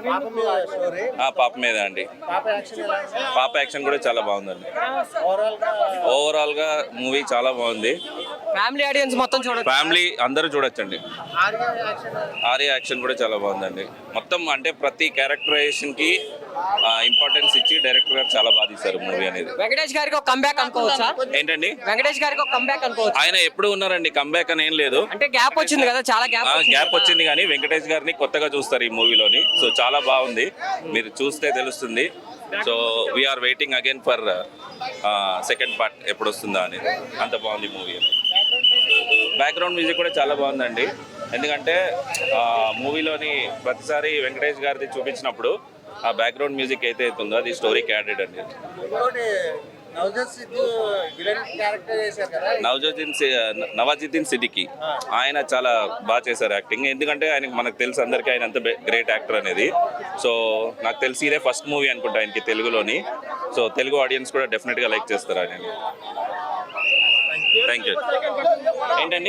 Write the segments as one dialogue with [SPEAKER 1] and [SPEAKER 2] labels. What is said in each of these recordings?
[SPEAKER 1] పాప మీద అండి. పాప యాక్షన్ కూడా చాలా బాగుందండి. ఓవరాల్ గా మూవీ చాలా బాగుంది.
[SPEAKER 2] ఫ్యామిలీ ఆడియన్స్ మొత్తం చూడండి.
[SPEAKER 1] ఫ్యామిలీ అందరూ చూడొచ్చండి. ఆర్య యాక్షన్ కూడా చాలా బాగుందండి. మొత్తం అంటే ప్రతి క్యారెక్టరైజేషన్ కి ఇంపార్టెన్స్ ఇచ్చి డైరెక్టర్ గారు చాలా బాగా తీశారు మూవీ అనేది.
[SPEAKER 2] వెంకటేష్ గారికి ఒక కంబ్యాక్ అనుకోవచ్చా?
[SPEAKER 1] ఏంటండి,
[SPEAKER 2] వెంకటేష్ గారికి ఒక కంబ్యాక్ అనుకోవచ్చు.
[SPEAKER 1] ఆయన ఎప్పుడు ఉన్నారండి, కంబ్యాక్ అని ఏం లేదు.
[SPEAKER 2] అంటే గ్యాప్ వచ్చింది కదా, చాలా
[SPEAKER 1] గ్యాప్ వచ్చింది కానీ వెంకటేష్ గారిని కొత్తగా చూస్తారు ఈ మూవీలోని. సో చాలా బాగుంది, మీరు చూస్తే తెలుస్తుంది. So we are waiting again for second part ఎప్పుడు వస్తుందా అని. అంత బాగుంది మూవీ. బ్యాక్గ్రౌండ్ మ్యూజిక్ కూడా చాలా బాగుందండి. ఎందుకంటే మూవీలోని ప్రతిసారి వెంకటేష్ గారిది చూపించినప్పుడు ఆ బ్యాక్గ్రౌండ్ మ్యూజిక్ అయితే అవుతుందో అది స్టోరీకి యాడెడ్ అండి. నవాజుద్దీన్ సిద్దికి ఆయన చాలా బాగా చేశారు యాక్టింగ్. ఎందుకంటే ఆయనకి మనకు తెలుసు అందరికీ ఆయన అంత గ్రేట్ యాక్టర్ అనేది. సో నాకు తెలిసి ఇదే ఫస్ట్ మూవీ అనుకుంటా ఆయనకి తెలుగులోని. సో తెలుగు ఆడియన్స్ కూడా డెఫినెట్గా లైక్ చేస్తారు ఆయన. Thank you. ఏంటండి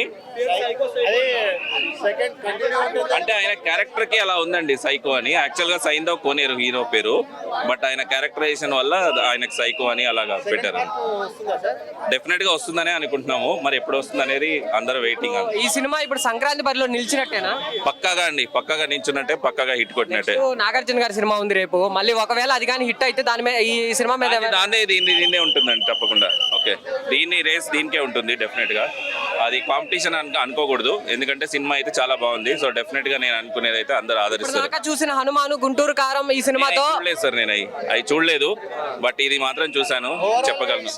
[SPEAKER 1] అంటే ఆయన క్యారెక్టర్ కి అలా ఉందండి, సైకో అని. యాక్చువల్ గా సైందవ్ కోనేరు హీరో పేరు, బట్ ఆయన క్యారెక్టరైజేషన్ వల్ల ఆయనకు సైకో అని అలాగా పెట్టారు. డెఫినెట్ గా వస్తుందనే అనుకుంటున్నాము, మరి ఎప్పుడు వస్తుంది అనేది అందరూ వెయిటింగ్.
[SPEAKER 2] ఈ సినిమా ఇప్పుడు సంక్రాంతి బరిలో నిలిచినట్టేనా?
[SPEAKER 1] పక్కాగా అండి, పక్కాగా నిల్చున్నట్టే, పక్కాగా హిట్ కొట్టినట్టే.
[SPEAKER 2] నాగార్జున గారి సినిమా ఉంది రేపు, మళ్ళీ ఒకవేళ అది కానీ హిట్ అయితే దాని మీద, ఈ సినిమా మీద
[SPEAKER 1] దీన్నే ఉంటుందండి తప్పకుండా. ఓకే, దీన్ని రేస్ దీనికే ఉంటుంది డెఫినెట్ గా. అది కాంపిటీషన్ అనుకోకూడదు, ఎందుకంటే సినిమా అయితే చాలా బాగుంది. సో డెఫినెట్ గా నేను అనుకునేది అయితే అందరూ ఆదరిస్తారు.
[SPEAKER 2] చూసిన హనుమాను, గుంటూరు కారం ఈ సినిమాతో
[SPEAKER 1] చూడలేదు సార్, నేను అవి చూడలేదు, బట్ ఇది మాత్రం చూసాను, చెప్పగలను.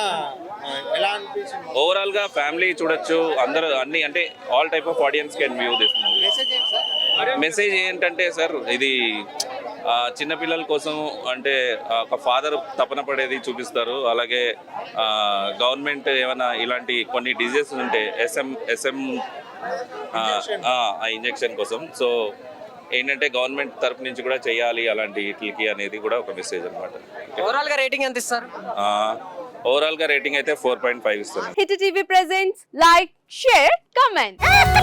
[SPEAKER 1] ఓవరాల్ గా ఫ్యామిలీ చూడొచ్చు అందరూ, అన్ని అంటే all type of audience can view this movie. Message ఏంటంటే సార్, ఇది చిన్నపిల్లల కోసం, అంటే ఒక ఫాదర్ తపన పడేది చూపిస్తారు. అలాగే గవర్నమెంట్ ఏమైనా ఇలాంటి కొన్ని డిజీజెస్ ఉంటే ఎస్ఎం ఆ ఇంజెక్షన్ కోసం, సో ఏంటంటే గవర్నమెంట్ తరపు నుంచి కూడా చేయాలి అలాంటి వీటికి అనేది కూడా ఒక మెసేజ్ అనమాట.
[SPEAKER 2] ఓవరాల్ గా రేటింగ్ ఎంత ఇస్తారు?
[SPEAKER 1] ఓవరాల్ గా రేటింగ్ అయితే 4.5 ఇస్తాను.
[SPEAKER 3] Hit TV presents like, share, comment.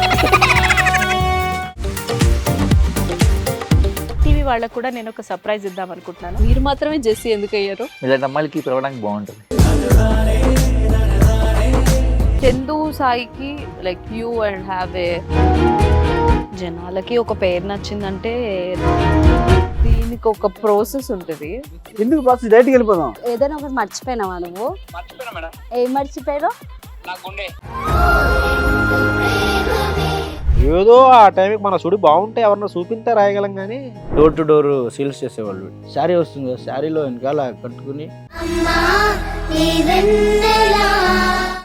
[SPEAKER 3] TV వాళ్ళకు కూడా నేను ఒక సర్ప్రైజ్ ఇద్దాం అనుకుంటున్నాను. మీరు మాత్రమే జెస్సీ ఎందుకు అయ్యారు?
[SPEAKER 4] ఇలాంటి అమ్మాయిలకి పిలవడానికి బాగుంటుంది.
[SPEAKER 3] చందు సాయికి like you and have a, జనాలకి ఒక పేరు నచ్చిందంటే దీనికి ఒక ప్రాసెస్ ఉంటుంది.
[SPEAKER 5] ఎందుకు ప్రాసెస్? డైరెక్ట్‌గా వెళ్ళిపోదాం.
[SPEAKER 3] ఏదైనా ఒకటి మర్చిపోయినావా నువ్వు?
[SPEAKER 1] మర్చిపోయినా మేడం.
[SPEAKER 3] ఏం మర్చిపోయావు?
[SPEAKER 1] నా గుండె.
[SPEAKER 5] ఏదో ఆ టైంకి మన సుడి బాగుంటే ఎవరన్నా చూపిస్తే రాయగలం కానీ డోర్ టు డోర్ సేల్స్ చేసేవాళ్ళు. శారీ వస్తుంది, శారీలో వెనకాల కట్టుకుని